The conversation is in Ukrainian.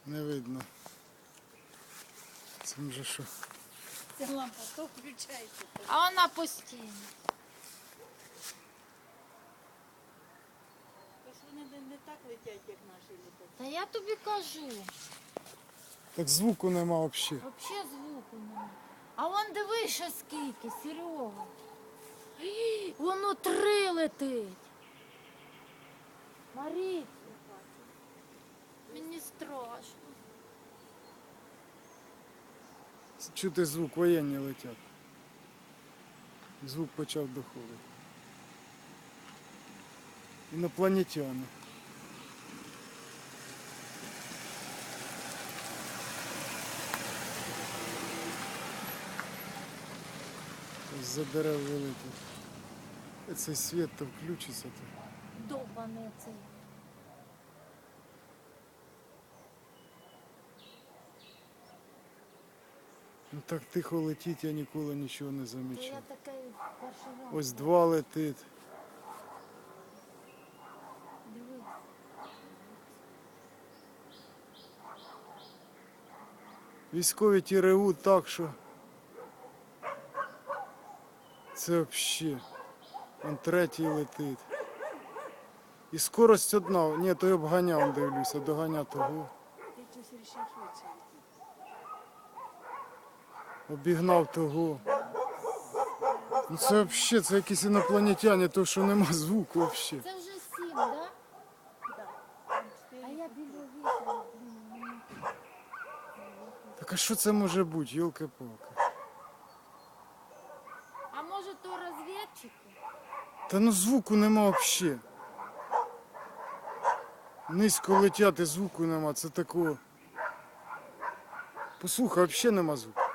Не видно. Це вже що? Ця лампа то включається. А вона постійно. Ось вони не так летять, як наші літають. Та я тобі кажу. Так звуку нема взагалі. Взагалі звуку немає. А вон диви ще скільки, Серега. Ій, воно 3 летить. Маріться. Мені страшно. Чути звук, воєнні летять. Звук почав доходити. Інопланетяни. За дерев вилетить. Цей світ то включиться то. Довбаний цей. Ну так тихо летить, я ніколи нічого не Та замічав. я таке перший раз. Ось 2 летить. Дивись. Військові ті ревуть так, що це взагалі. Он 3-й летить. І скорость одна. Ні, то я обганяв, дивлюся, доганя того. Ти щось рішив швидше летіти. Обігнав того. Ну це взагалі, це якісь інопланетяни, то що нема звуку взагалі. Це вже 7, так? Да? Так. А я біля вітра. Так а що це може бути, йолки-палки? А може то розвідчики? Та ну звуку нема взагалі. Низько летять і звуку нема, це такого. Послухай, взагалі нема звуку.